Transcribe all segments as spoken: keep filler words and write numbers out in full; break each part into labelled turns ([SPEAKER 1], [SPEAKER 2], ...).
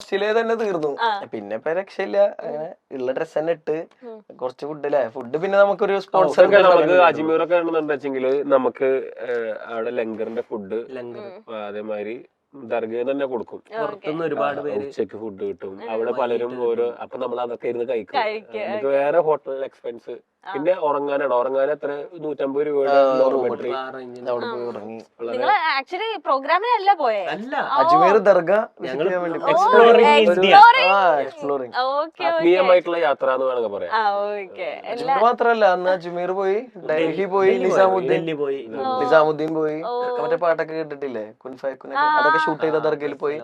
[SPEAKER 1] ഫസ്റ്റിലേ തന്നെ തീർന്നു. പിന്നെ ഇപ്പൊ രക്ഷയില്ല, അങ്ങനെ ഉള്ള ഡ്രസ് തന്നെ ഇട്ട് കുറച്ച് ഫുഡ് അല്ലേ. ഫുഡ് പിന്നെ നമുക്കൊരു സ്പോൺസർ
[SPEAKER 2] നമുക്ക് അജ്മീറൊക്കെ ആണെന്നുണ്ടെച്ചെങ്കില് നമുക്ക് അവിടെ ലങ്കറിന്റെ ഫുഡ് അതേമാതിരി ദർഗയിൽ തന്നെ കൊടുക്കും.
[SPEAKER 3] ഒരുപാട് പേര്
[SPEAKER 2] ഉച്ചക്ക് ഫുഡ് കിട്ടും അവിടെ പലരും ഓരോ. അപ്പൊ നമ്മൾ അതൊക്കെ ഇരുന്ന് കഴിക്കും. നമുക്ക് വേറെ ഹോട്ടൽ എക്സ്പെൻസ്. പിന്നെ ഉറങ്ങാനാണ്, ഉറങ്ങാൻ എത്ര നൂറ്റമ്പത് രൂപയുടെ ഡോർമെട്രി അവിടെ പോയി ഉറങ്ങി.
[SPEAKER 4] പ്രോഗ്രാമിനല്ല പോയെ,
[SPEAKER 1] അജ്മീർ ദർഗ
[SPEAKER 2] ആത്മീയമായിട്ടുള്ള യാത്ര എന്ന് വേണമെങ്കിൽ പറയാം.
[SPEAKER 1] മാത്രല്ല അന്ന് അജ്മീർ പോയി, ഡൽഹി പോയി, നിസാമുദ്ദീൻ പോയി, നിസാമുദ്ദീൻ പോയി. മറ്റേ പാട്ടൊക്കെ കേട്ടിട്ടില്ലേ, അതൊക്കെ ഷൂട്ട് ചെയ്ത ദർഗയിൽ പോയി.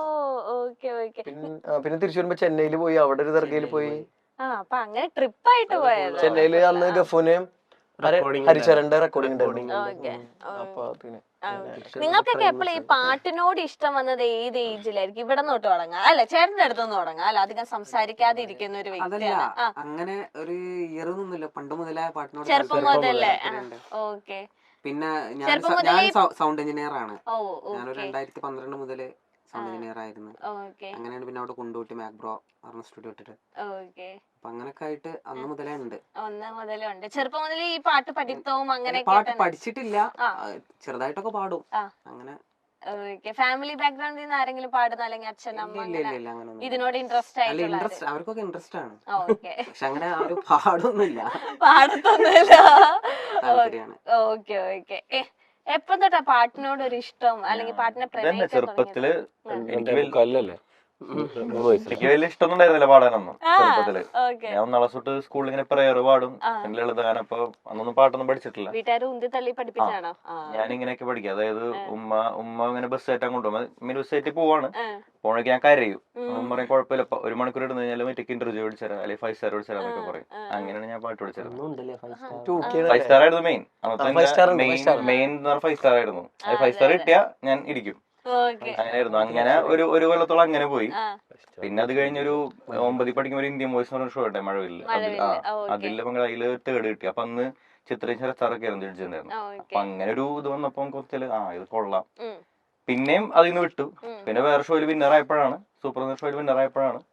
[SPEAKER 1] പിന്നെ തിരിച്ചു വരുമ്പോ ചെന്നൈയിൽ പോയി, അവിടെ ഒരു ദർഗയിൽ പോയി.
[SPEAKER 4] അങ്ങനെ ട്രിപ്പ് ആയിട്ട് പോയത്.
[SPEAKER 1] ചെന്നൈയില് അന്ന് ഗഫൂനെയും ഹരിചരന്റെ റെക്കോർഡിംഗ് ഉണ്ടായിരുന്നു.
[SPEAKER 4] നിങ്ങൾക്കൊക്കെ എപ്പോഴും ഈ പാട്ടിനോട് ഇഷ്ടം വന്നത് ഏത് ഏജിലായിരിക്കും? ഇവിടെ തൊട്ട് തുടങ്ങാം അല്ലെ, ചേട്ടന്റെ അടുത്തൊന്നും തുടങ്ങാം അല്ല, അധികം സംസാരിക്കാതെ ഇരിക്കുന്ന ഒരു വ്യക്തിയാണ്.
[SPEAKER 3] അങ്ങനെ ഒരു ഇയർ ഒന്നുമില്ല, പണ്ട് മുതലേ പാട്ടിനോട്
[SPEAKER 4] ചെറുപ്പം മുതലേ. ഓക്കെ.
[SPEAKER 3] പിന്നെ ഞാൻ സൗണ്ട് എഞ്ചിനീയർ ആണ്. ഞാനൊരു രണ്ടായിരത്തി പന്ത്രണ്ട് മുതല് സൗണ്ട് എഞ്ചിനീയർ ആയിരുന്നു. അങ്ങനെയാണ് പിന്നെ അവിടെ കൊണ്ടുപോയിട്ട് മാക്ബ്രോ പറഞ്ഞ സ്റ്റുഡിയോ ഇട്ടിട്ട് അപ്പൊ അങ്ങനൊക്കെ ആയിട്ട് അന്ന് മുതലേ ഉണ്ട്.
[SPEAKER 4] ഒന്ന് മുതലേ ഉണ്ട്. ചെറുപ്പം മുതലേ ഈ പാട്ട് പഠിത്തവും അങ്ങനെ
[SPEAKER 3] പാട്ട് പഠിച്ചിട്ടില്ല, ചെറുതായിട്ടൊക്കെ പാടും. അങ്ങനെ
[SPEAKER 4] ഫാമിലി ബാക്ക്ഗ്രൗണ്ടിൽ നിന്ന് ആരെങ്കിലും പാടുന്ന അല്ലെങ്കിൽ അച്ഛൻ അമ്മ ഇതിനോട് ഇൻട്രസ്റ്റ് ആയിട്ട്?
[SPEAKER 3] ഇൻട്രസ്റ്റ് അവർക്കൊക്കെ ഇൻട്രസ്റ്റ് ആണ്, പക്ഷെ അങ്ങനെ അവര് പാടൊന്നുമില്ല,
[SPEAKER 4] പാടത്തൊന്നുമില്ല. Okay okay. എപ്പം തൊട്ടാ പാട്ടിനോട് ഒരു ഇഷ്ടം അല്ലെങ്കിൽ പാട്ടിനെ
[SPEAKER 5] ചെറുപ്പത്തില് എനിക്ക് വലിയ ഇഷ്ടമൊന്നും ഉണ്ടായിരുന്നില്ല പാടാനൊന്നും. ചെറുപ്പത്തില് ഞാൻ ഒന്നാളെ തൊട്ട് സ്കൂളിൽ ഇങ്ങനെ പ്രയർ പാടും, ലളിതഗാനം. അപ്പൊ അന്നൊന്നും പാട്ടൊന്നും പഠിച്ചിട്ടില്ല. ഞാൻ ഇങ്ങനെയൊക്കെ പഠിക്കും. അതായത് ഉമ്മ ഉമ്മ ഇങ്ങനെ ബസ് കയറ്റാൻ കൊണ്ടുപോകും. മീൻ ബസ് കയറ്റി പോവാണ്, പോണെങ്കിൽ ഞാൻ കരയും. ഉമ്മ പറയും കുഴപ്പമില്ല, ഒരു മണിക്കൂർ ഇടുന്ന കഴിഞ്ഞാൽ മറ്റേക്ക് ഇന്റർവ്യൂ പഠിച്ചരാം അല്ലെങ്കിൽ ഫൈവ് സ്റ്റാർ പഠിച്ചരാം എന്നൊക്കെ പറയും. അങ്ങനെയാണ് ഞാൻ പാട്ട് പഠിച്ചത്. ഫൈവ് സ്റ്റാർ ആയിരുന്നു മെയിൻ. അന്നത്തെ മെയിൻ എന്ന് പറഞ്ഞാൽ ഫൈവ് സ്റ്റാർ ആയിരുന്നു. ഫൈവ് സ്റ്റാർ കിട്ടിയാ ഞാൻ ഇരിക്കും. അങ്ങനെയായിരുന്നു. അങ്ങനെ ഒരു ഒരു കൊല്ലത്തോളം അങ്ങനെ പോയി. പിന്നെ അത് കഴിഞ്ഞൊരു ഒമ്പതിൽ പഠിക്കുമ്പോൾ ഒരു ഇന്ത്യൻ വോയിസ് എന്ന് പറഞ്ഞ ഷോ ഉണ്ട് മഴവില്ല. അതിൽ അതില് തേർഡ് കിട്ടി. അപ്പൊ അന്ന് ചിത്രയും ശരത്താറൊക്കെ ആയിരുന്നു ജഡ്ജിണ്ടായിരുന്നു. അപ്പൊ അങ്ങനെ ഒരു ഇത് വന്നപ്പോ കുറച്ച് ആ ഇത് കൊള്ളാം. പിന്നെയും അതിന്ന് വിട്ടു. പിന്നെ വേറെ ഷോയിൽ വിന്നർ ആയപ്പോഴാണ്, സൂപ്പർ ഷോയിൽ വിന്നർ ആയപ്പോഴാണ്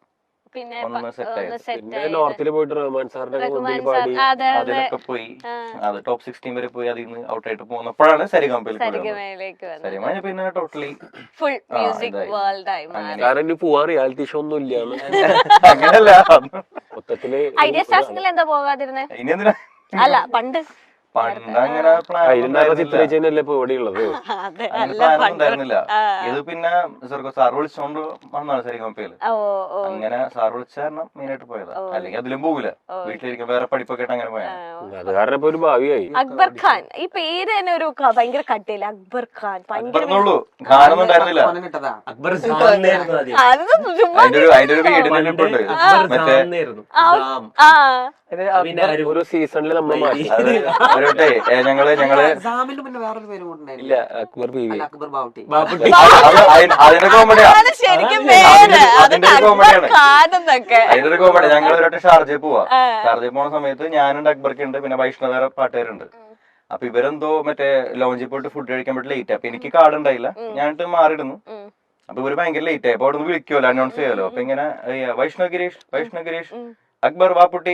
[SPEAKER 2] നോർത്തില് പോയിട്ട് റഹ്മാൻ സാറിന്റെ മുമ്പിൽ പാടി
[SPEAKER 5] അതിലൊക്കെ പോയി. അത് ടോപ്പ് സിക്സ്റ്റീൻ വരെ പോയി. അതിൽ നിന്ന് ഔട്ട് ആയിട്ട് പോന്നപ്പോഴാണ് സരിഗമയിൽ സരിഗമ പിന്നെ ടോട്ടലി
[SPEAKER 4] ഫുൾ മ്യൂസിക് വേൾഡ് ആയി.
[SPEAKER 2] കാരണം പോവാൻ റിയാലിറ്റി ഷോ ഒന്നും ഇല്ല.
[SPEAKER 5] അങ്ങനല്ല,
[SPEAKER 2] മൊത്തത്തില്
[SPEAKER 4] ഐഡിയ സ്റ്റാർസിൽ എന്താ പോകാതിരുന്നേ?
[SPEAKER 5] ഇനി എന്തിനാ
[SPEAKER 4] അല്ല പണ്ട്
[SPEAKER 5] പണ്ടങ്ങനെ
[SPEAKER 2] ചിത്രരചനയല്ലേ ഇപ്പൊ ഇവിടെ ഉള്ളത്.
[SPEAKER 5] ഉണ്ടായിരുന്നില്ല. ഇത് പിന്നെ സാർ വിളിച്ചോണ്ട് വന്നാണ് സരിഗമപ്പയില്. അങ്ങനെ സാർ വിളിച്ച കാരണം മെയിനായിട്ട് പോയത്. അല്ലെങ്കിൽ അതിലും പോകില്ല, വീട്ടിലിരിക്കും വേറെ പഠിപ്പൊക്കെ ആയിട്ട് അങ്ങനെ പോയാ.
[SPEAKER 2] അത് കാരണം ഇപ്പൊ ഒരു ഭാവിയായി.
[SPEAKER 4] അക്ബർ ഖാൻ ഈ പേര് തന്നെ ഒരു ഭയങ്കര കട്ടിയില്ല. അക്ബർ ഖാൻ
[SPEAKER 5] ഭയങ്കര ഖാനൊന്നും ഉണ്ടായിരുന്നില്ല.
[SPEAKER 3] അക്ബർ
[SPEAKER 5] അതിന്റെ ഒരു വീടിനുണ്ട് മറ്റേ
[SPEAKER 2] ഒരു സീസണില് നമ്മൾ മാറ്റി.
[SPEAKER 5] ഞങ്ങള് ഞങ്ങള്
[SPEAKER 3] പിന്നെ വേറൊരു പേര് കൂടെ
[SPEAKER 2] ഇല്ല, അക്ബർ ബീവി,
[SPEAKER 3] അക്ബർ ബാവുട്ടി.
[SPEAKER 5] അതിന്റെ കോമഡിയാ അതിന്റെ ഒരു കോമഡിയാണ് അതിന്റെ ഒരു കോമഡി. ഞങ്ങൾ ഒരൊക്കെ ഷാർജയിൽ പോവാ. ഷാർജയിൽ പോണ സമയത്ത് ഞാനുണ്ട്, അക്ബർക്ക് ഉണ്ട്, പിന്നെ വൈഷ്ണവ് വേറെ പാട്ടുകാരുണ്ട്. അപ്പൊ ഇവരെന്തോ മറ്റേ ലോഞ്ചിൽ പോയിട്ട് ഫുഡ് കഴിക്കാൻ പറ്റി ലേറ്റ്. അപ്പൊ എനിക്ക് കാർഡ് ഉണ്ടായില്ല, ഞാനിട്ട് മാറിയിടുന്നു. അപ്പൊ ഇവര് ഭയങ്കര ലേറ്റ് ആയി. അപ്പൊ അവിടെ നിന്ന് വിളിക്കുമല്ലോ, അനൗൺസ് ചെയ്യാലോ. അപ്പൊ ഇങ്ങനെ വൈഷ്ണവ് ഗിരീഷ് വൈഷ്ണവ് ഗിരീഷ് അക്ബർ വാപ്പുട്ടി.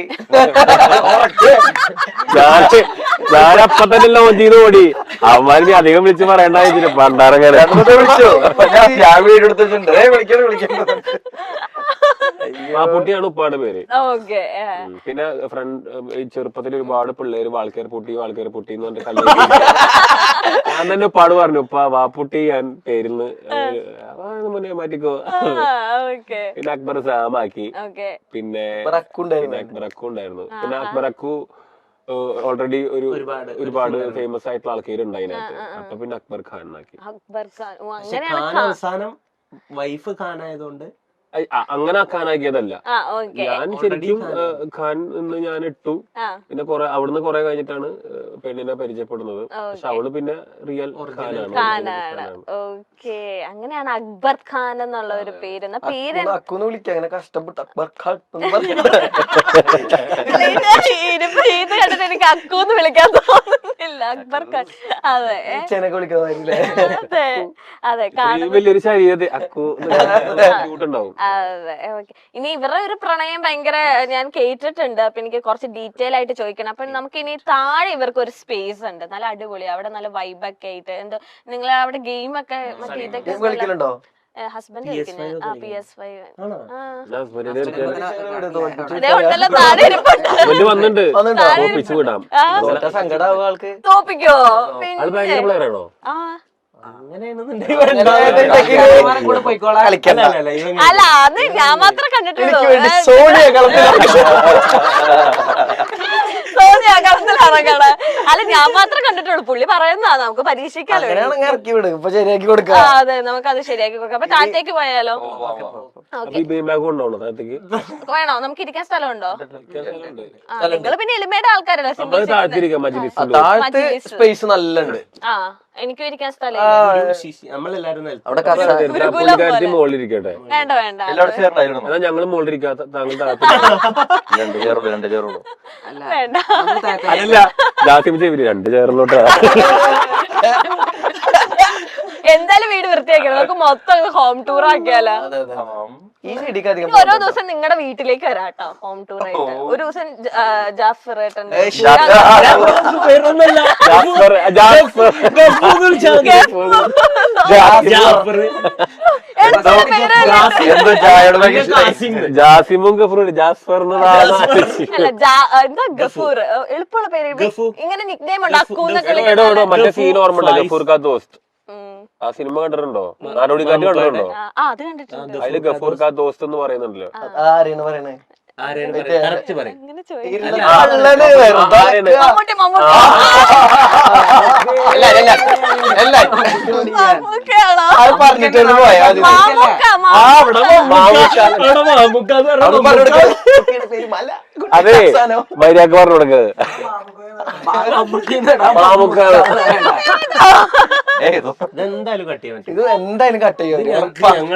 [SPEAKER 2] ഞാനപ്പ തന്നെ ലോഞ്ച് ചെയ്ത് ഓടി. അവന്മാർക്ക് അധികം വിളിച്ച് പറയണ്ടായിരുന്നു. പണ്ടാറങ്ങനെ
[SPEAKER 5] വിളിച്ചു. ഞാൻ വീട് എടുത്തിട്ടുണ്ട്, വിളിക്കാൻ വിളിക്കുന്നത്.
[SPEAKER 2] വാപ്പുട്ടിയാണ് ഉപ്പാടെ പേര്. പിന്നെ ഫ്രണ്ട് ചെറുപ്പത്തിൽ ഒരുപാട് പിള്ളേര് വാൾക്കേർ പൊട്ടി വാൾക്കേർ പൊട്ടി എന്ന് പറഞ്ഞിട്ട് കല്യാണം. ഞാൻ തന്നെ ഉപ്പാട് പറഞ്ഞു, ഉപ്പ വാപ്പുട്ടി ഞാൻ പേരിന്ന് മുന്നേ മാറ്റിക്കോ. പിന്നെ അക്ബർ സാമാക്കി. പിന്നെ അക്ബറക്കു ഉണ്ടായിരുന്നു. പിന്നെ അക്ബറക്കു ഓൾറെഡി ഒരു ഒരുപാട് ഫേമസ് ആയിട്ടുള്ള ആൾക്കാരുണ്ട് അതിനകത്ത്. അപ്പൊ പിന്നെ അക്ബർ ഖാൻ ആക്കി.
[SPEAKER 1] അവസാനം വൈഫ് ഖാൻ ആയതുകൊണ്ട്
[SPEAKER 2] അങ്ങനെ ഖാനാക്കിയതല്ല. ഞാൻ ശരിക്കും ഖാൻ എന്ന് ഞാൻ ഇട്ടു. പിന്നെ കൊറേ അവിടുന്ന് കൊറേ കഴിഞ്ഞിട്ടാണ് പെണ്ണിനെ പരിചയപ്പെടുന്നത്. പക്ഷെ അവള് പിന്നെ റിയൽ ഖാനാണ്.
[SPEAKER 4] അങ്ങനെയാണ് അക്ബർ ഖാൻ എന്നുള്ള ഒരു പേര്. പേര്
[SPEAKER 1] വിളിക്കാം അങ്ങനെ കഷ്ടപ്പെട്ട് അക്ബർ ഖാൻ
[SPEAKER 4] ഇനിയിപ്പോ ഇത് കണ്ടിട്ട് എനിക്ക് അക്കൂന്ന് വിളിക്കാൻ തോന്നുന്നില്ല. അക്ബർ ഖാൻ. അതെ
[SPEAKER 1] ചെനക്ക് വിളിക്കുന്നതായിരിക്കില്ലേ?
[SPEAKER 4] അതെ അതെ
[SPEAKER 2] ഈ വലിയൊരു ശരീരത്തിൽ അക്കു ഉണ്ടാവും.
[SPEAKER 4] അതെ ഓക്കെ. ഇനി ഇവരുടെ ഒരു പ്രണയം ഭയങ്കര ഞാൻ കേട്ടിട്ടുണ്ട്. അപ്പൊ എനിക്ക് കുറച്ച് ഡീറ്റെയിൽ ആയിട്ട് ചോദിക്കണം. അപ്പൊ നമുക്ക് ഇനി താഴെ ഇവർക്ക് ഒരു സ്പേസ് ഉണ്ട്, നല്ല അടിപൊളി, അവിടെ നല്ല വൈബൊക്കെ ആയിട്ട്. എന്തോ നിങ്ങൾ അവിടെ ഗെയിം ഒക്കെ മറ്റേ ഇതൊക്കെ
[SPEAKER 1] കളിക്കലുണ്ടോ?
[SPEAKER 4] ഹസ്ബൻഡ് കളിക്കുന്നത് ആ പി എസ് ഫൈവ്
[SPEAKER 2] വന്നിട്ടുണ്ട് വിടാം.
[SPEAKER 1] സങ്കടാവും ആൾക്ക്.
[SPEAKER 4] തോപ്പിക്കോ?
[SPEAKER 2] അത് ഭയങ്കര പ്ലെയർ ആണോ?
[SPEAKER 4] ആ
[SPEAKER 1] കളിക്കണ്ട.
[SPEAKER 4] അല്ല അത് ഞാൻ മാത്രം കണ്ടിട്ടുള്ളൂ.
[SPEAKER 1] സോണിയ കളത്തിൽ
[SPEAKER 4] സോണിയ കളത്തിലിറങ്ങണ അല്ല ഞാൻ മാത്രം കണ്ടിട്ടുള്ളൂ. പുള്ളി പറയുന്നതാ, നമുക്ക് പരീക്ഷിക്കാലോ.
[SPEAKER 1] ഇറക്കി വിടും, ഇപ്പൊ ശരിയാക്കി കൊടുക്കാം.
[SPEAKER 4] ആ അതെ, നമുക്ക് അത് ശരിയാക്കി കൊടുക്കാം. അപ്പൊ താഴത്തേക്ക് പോയാലോ? വേണോ? നമുക്ക് ഇരിക്കാൻ സ്ഥലമുണ്ടോ? നിങ്ങൾ പിന്നെ എലിമയുടെ ആൾക്കാരല്ലേ?
[SPEAKER 1] താഴത്ത് സ്പേസ് നല്ല ഉണ്ട്.
[SPEAKER 4] ആ എനിക്കും ഇരിക്കാൻ സ്ഥലം
[SPEAKER 2] മുകളിലിരിക്കട്ടെ.
[SPEAKER 4] വേണ്ട വേണ്ട
[SPEAKER 2] അതാ ഞങ്ങള് മുകളിലിരിക്കാത്ത താങ്കൾ
[SPEAKER 4] വേണ്ട.
[SPEAKER 2] അതല്ല ജാസിം ചെവിരി രണ്ട് ചേർന്നോട്ടാ.
[SPEAKER 4] എന്തായാലും വീട് വൃത്തിയാക്കണം. നമുക്ക് മൊത്തം ഹോം ടൂർ ആക്കിയാലോ? ഓരോ ദിവസം നിങ്ങളുടെ വീട്ടിലേക്ക് വരാട്ടോ ഹോം ടൂർ ആയിട്ട്. ഒരു ദിവസം ജാഫർ ഏട്ടന്റെ
[SPEAKER 2] ജാസിമും ഗഫൂർ ജാസ്ഫർ
[SPEAKER 4] എന്താ ഗഫൂർ എളുപ്പമുള്ള പേര്. ഇങ്ങനെ നിക് നെയിം ഉണ്ട് അക്കൂന്നൊക്കെ.
[SPEAKER 2] മറ്റേ സീൻ ഓർമ്മ ഉണ്ടോ? ഗഫൂർ കാ ദോസ്ത് ആ സിനിമ കണ്ടിട്ടുണ്ടോ? നാടോടിക്കാറ്റ് കണ്ടിട്ടുണ്ടോ?
[SPEAKER 4] അത് കണ്ടിട്ടുണ്ട്.
[SPEAKER 2] അതില് ഗഫൂർ കാ ദോസ്ത് എന്ന് പറയുന്നുണ്ടല്ലോ.
[SPEAKER 1] ആരെയാണ് പറയണേ?
[SPEAKER 4] ഇങ്ങനെ ചോദിക്കും.
[SPEAKER 1] പറഞ്ഞിട്ട് പോയാ
[SPEAKER 2] അതെ മര്യാദക്ക് പറഞ്ഞു കൊടുക്കുന്നത്.
[SPEAKER 6] ഇതെന്തായാലും കട്ട് ചെയ്യാൻ
[SPEAKER 1] ഇത് എന്തായാലും കട്ട് ചെയ്യും.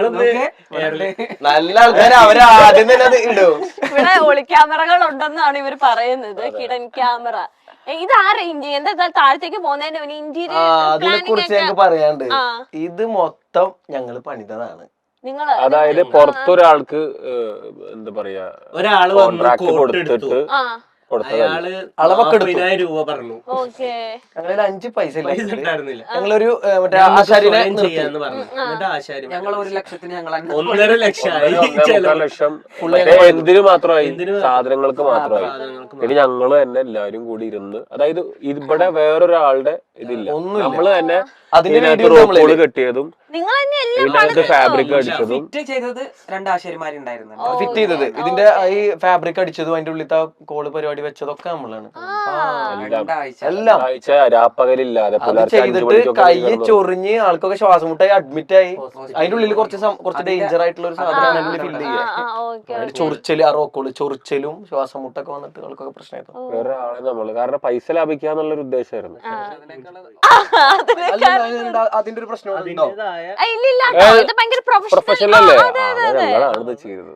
[SPEAKER 1] നല്ല ആൾക്കാര് അവര് ആദ്യം തന്നെ അത് ഇടും.
[SPEAKER 4] ഇവിടെ ഒളിക്യാമറകൾ ഉണ്ടെന്നാണ് ഇവർ പറയുന്നത്. Hidden camera. ഇത് ആ റേഞ്ച് എന്താ താഴത്തേക്ക് പോകുന്നതിന്റെ
[SPEAKER 1] അതിനെ
[SPEAKER 4] ഇന്റീരിയർ
[SPEAKER 1] കുറിച്ച് ഞങ്ങൾക്ക് പറയാണ്ട്. ഇത് മൊത്തം ഞങ്ങള് പണിതതാണ്.
[SPEAKER 4] നിങ്ങള്
[SPEAKER 2] അതായത് പുറത്തൊരാൾക്ക് എന്താ പറയാ
[SPEAKER 6] ഒരാള്
[SPEAKER 2] കോൺട്രാക്ട് കൊടുത്തിട്ട്
[SPEAKER 6] അയാള്
[SPEAKER 1] അളവൊക്കെ എടുത്തു.
[SPEAKER 6] പതിനായിരം രൂപ പറഞ്ഞു.
[SPEAKER 4] ഓക്കെ
[SPEAKER 1] ഞങ്ങളിൽ അഞ്ച് പൈസ ഇല്ല.
[SPEAKER 6] ഉണ്ടായിരുന്നില്ല.
[SPEAKER 1] ഞങ്ങളൊരു മറ്റേ ആശാരിനെ
[SPEAKER 6] ചെയ്യാന്ന് പറഞ്ഞു. എന്നിട്ട് ആശാരി
[SPEAKER 3] ഞങ്ങൾ ഒരു ലക്ഷത്തിന് ഞങ്ങൾ
[SPEAKER 6] ഒന്നര ലക്ഷമായി.
[SPEAKER 2] ഒന്നര ലക്ഷം എന്തിനു മാത്രമായി? സാധനങ്ങൾക്ക് മാത്രമായി. ഇനി ഞങ്ങള് തന്നെ എല്ലാരും കൂടി ഇരുന്ന്, അതായത് ഇവിടെ വേറൊരാളുടെ ഇതില്ല, നമ്മള് തന്നെ അതിനകത്ത് റോപ്പുകൾ കെട്ടിയതും ഇതിനകത്ത് ഫാബ്രിക് അടിച്ചതും
[SPEAKER 3] ചെയ്തത് രണ്ട് ആശാരിമാരുണ്ടായിരുന്നു.
[SPEAKER 1] ഫിറ്റ് ചെയ്തത് ഇതിന്റെ ഈ ഫാബ്രിക് അടിച്ചതും അതിന്റെ ഉള്ളിലത്തെ കോള് പരിപാടി വെച്ചതൊക്കെ നമ്മളാണ് എല്ലാം
[SPEAKER 2] ആഴ്ച രാപ്പകലില്ലാതെ
[SPEAKER 1] ചെയ്തിട്ട് കൈ ചൊറിഞ്ഞ് ആൾക്കൊക്കെ ശ്വാസം മുട്ടായി അഡ്മിറ്റ് ആയി. അതിന്റെ ഉള്ളിൽ കുറച്ച് കുറച്ച് ഡേഞ്ചർ ആയിട്ടുള്ള ഒരു സാധനമാണ് ഫില്ല് ചെയ്യുക. ചൊറിച്ചല് ആ റോക്കോള് ചൊറിച്ചലും ശ്വാസം മുട്ടൊക്കെ വന്നിട്ട് ആൾക്കൊക്കെ പ്രശ്നമായിരുന്നു.
[SPEAKER 2] വേറെ ആളെ നമ്മള് കാരണം പൈസ ലാഭിക്കാന്നുള്ളൊരു ഉദ്ദേശമായിരുന്നു.
[SPEAKER 1] അതിന്റെ ഒരു പ്രശ്നം
[SPEAKER 2] പ്രൊഫഷണൽ അല്ലേ? ഞങ്ങളാണ് ഇത് ചെയ്തത്.